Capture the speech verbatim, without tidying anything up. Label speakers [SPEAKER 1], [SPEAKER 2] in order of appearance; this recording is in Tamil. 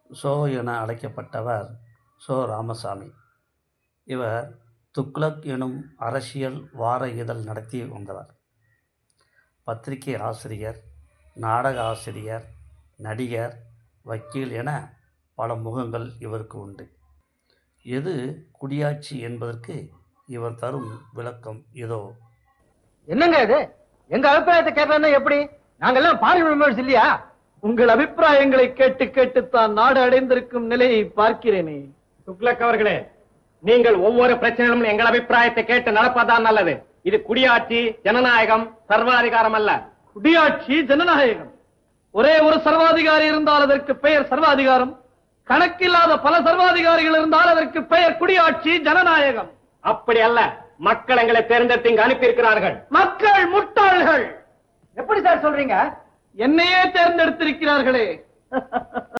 [SPEAKER 1] சோ என அழைக்கப்பட்டவர் சோ ராமசாமி. இவர் துக்ளக் எனும் அரசியல் வார இதழ் நடத்தி வந்தவர். பத்திரிகை ஆசிரியர், நாடக ஆசிரியர், நடிகர், வக்கீல் என பல முகங்கள் இவருக்கு உண்டு. எது குடியாட்சி என்பதற்கு இவர் தரும் விளக்கம் இதோ.
[SPEAKER 2] என்னங்க இது? எங்க அபிப்பிராயத்தை கேட்கறதுன்னா எப்படி? நாங்கெல்லாம் பார்லிமெண்ட் மெம்பர்ஸ் இல்லையா?
[SPEAKER 3] உங்கள் அபிப்பிராயங்களை கேட்டு கேட்டுத்தான் நாடு அடைந்திருக்கும் நிலையை பார்க்கிறேனே.
[SPEAKER 4] துக்ளக் அவர்களே, நீங்கள் ஒவ்வொரு பிரச்சனையிலும் எங்கள் அபிப்பிராயத்தை கேட்டு நடப்பதுதான் நல்லது. இது குடியாட்சி, ஜனநாயகம், சர்வாதிகாரம் அல்ல.
[SPEAKER 3] குடியாட்சி, ஜனநாயகம். ஒரே ஒரு சர்வாதிகாரி இருந்தால் அதற்கு பெயர் சர்வாதிகாரம். கணக்கில்லாத பல சர்வாதிகாரிகள் இருந்தால் அதற்கு பெயர் குடியாட்சி, ஜனநாயகம்.
[SPEAKER 4] அப்படி அல்ல. மக்கள் எங்களை தேர்ந்தெடுத்து இங்கு அனுப்பியிருக்கிறார்கள்.
[SPEAKER 3] மக்கள் முட்டாள்கள்.
[SPEAKER 2] எப்படி சார் சொல்றீங்க?
[SPEAKER 3] என்னையே தேர்ந்தெடுத்திருக்கிறார்களே.